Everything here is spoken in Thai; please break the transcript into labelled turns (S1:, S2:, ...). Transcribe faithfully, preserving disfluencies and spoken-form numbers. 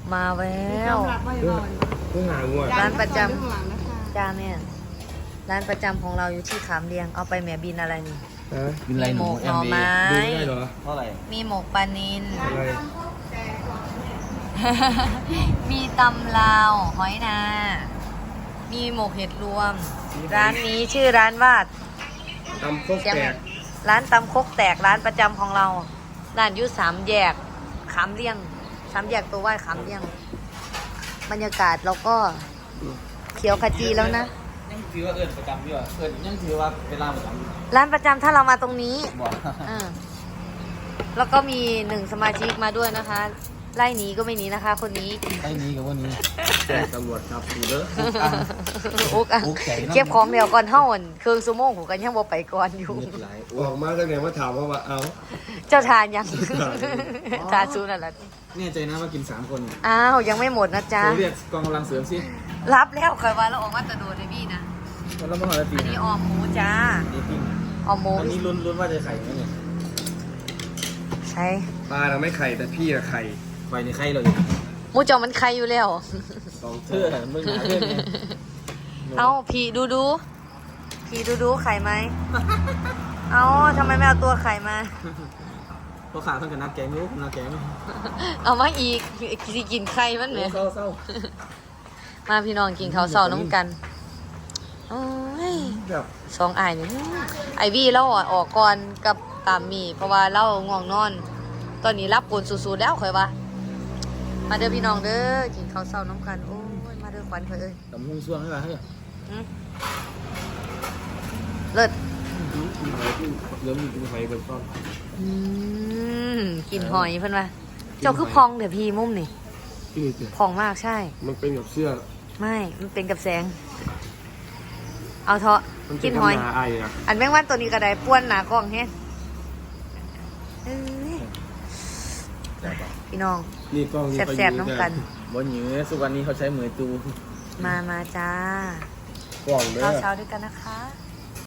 S1: มาแล้ว
S2: เพิ่งหางวด
S1: ร้านประจำจ้าแม่ร้านประจำของเราอยู่ที่ขามเรียงเอาไปแม่บินอะไรนี่
S2: ฮะ
S3: กินอะไร
S1: มี
S3: ห
S1: หม
S3: นู
S1: กห
S3: เอ็
S1: น่
S3: ม
S1: อ
S3: ดี
S1: ไม้
S2: ดูได้เหรอ
S3: เท่าไหร่
S1: มีหมกปลานิล
S2: อะไร
S1: มีตำลาวหอยนา มีหมกเห็ดรวม ร้านนี้ชื่อร้านว่า
S2: ตำโคก
S1: เสียง
S2: แต
S1: ไหม
S2: ก
S1: ร้านตำคกแตกร้านประจำของเราร้านอยู่สามแยกขามเลี่ยงสามแยกตัวไหว้ขามเลี่ยง บรรยากาศเราก็เขียวขจีแล้วนะ
S3: ยังถือว่าเอิญประจำอยู่อ่ะเอิญยังถือว่าเวลาประจำอยู่
S1: ร้านประจำถ้าเรามาตรงนี้
S3: บอก
S1: อ่าแล้วก็มีหนึ่งสมาชิกมาด้วยนะคะ ไล่หนีก็ไม่หนีนะคะ คนนี้
S3: ไอ้นี้กับวันนี้
S2: แจ้งตำรวจครับดูเด้อ
S1: อุ๊กอ่ะ
S3: อุ๊กใจน้ำ
S1: เก็บของเดียวก่อนเท่าอ่อนเครื่องซูโม่หูกันยังบ่ไปก่อนอยู่
S3: เลือดไหล
S2: ออกมาตั้งแต่ว่าถามว่าว่าเอา
S1: เจ้าทานยัง ทานซูนั่นแหละ
S3: เนี่ยใจนะว่ากินสามคน
S1: อ้าวยังไม่หมดนะจ๊ะ
S3: เรียกกองกำลังเสริมสิ
S1: รับแล้วเคยว่าเราออกมาตะโดดเลยพี่นะ
S3: แล้วมาหอละตี
S1: อันนี้ออมหมูจ้า
S3: นี่ปิ้ง
S1: ออมหมู
S3: อันนี้ลุ้นลุ้นว่าจะไข่ไหมเนี่ย
S1: ใช่
S2: ปลาเราไม่ไข่แต่พี่อะไข่
S3: ไฟในไข่เลย
S1: หมูจอมันใครอยู่แล้ว
S2: สอง
S3: เธ
S2: ตัว
S3: อมึงหาเพื่อนไง
S1: เอาพี่ดูดูพี่ดูดูไข่ไหม เอาทำไมไม่เอาตัวไข่มา
S3: พอขาเพิ่งกับนักแกงยุกนักแกง
S1: เอามาอีกสิกินไข่มันเนี่ย
S3: เศร้าเศร้า
S1: มาพี่น้องกินข้าวเสาน้ำกันโอ้ย
S2: แบบ
S1: สองอายนี่ไอวี่เราอ่ะออกก่อนกับตามมี เพราะว่าเราง่วงนอน ตอนนี้รับกวนสูดๆแล้วค่อยว่า มาเด้อพี่น้องเด้อกินข้าวเสาน้ำกัน โอ้ยมาเด้อขวัญค่อยเอ้ย
S3: ดำหุ้งซ่วงให้มาเฮ้ย
S1: อืมเลิศ
S2: กินหอยกินเริ่มมีกินหอยเบนต้น
S1: อืมกินหอยเพิ่นว่าเจ้าคือพองเดี๋ยวพี่มุมนี่
S2: พี่นี่สิ
S1: พองมากใช่
S2: มันเป็นกับเสื้อ
S1: ไม่ มันเป็นกับแสง เอาเถอะ
S2: มันเป็
S1: กิ
S2: น
S1: น
S2: กับ
S1: หอย
S2: หนาไอ้อะ
S1: อันแมงวันตัวนี้ก็ได้ป้วนหนากล้องแฮะเอ้ยพี่น้อง
S2: นี่กล้องนี่
S1: แสบๆน้องกัน
S3: บนหยือสุวรรณนี้เขาใช้เหมือตู
S1: มามาจ้า
S2: กล้องเด้อ
S1: ข้าวเช้าด้วยกันนะคะ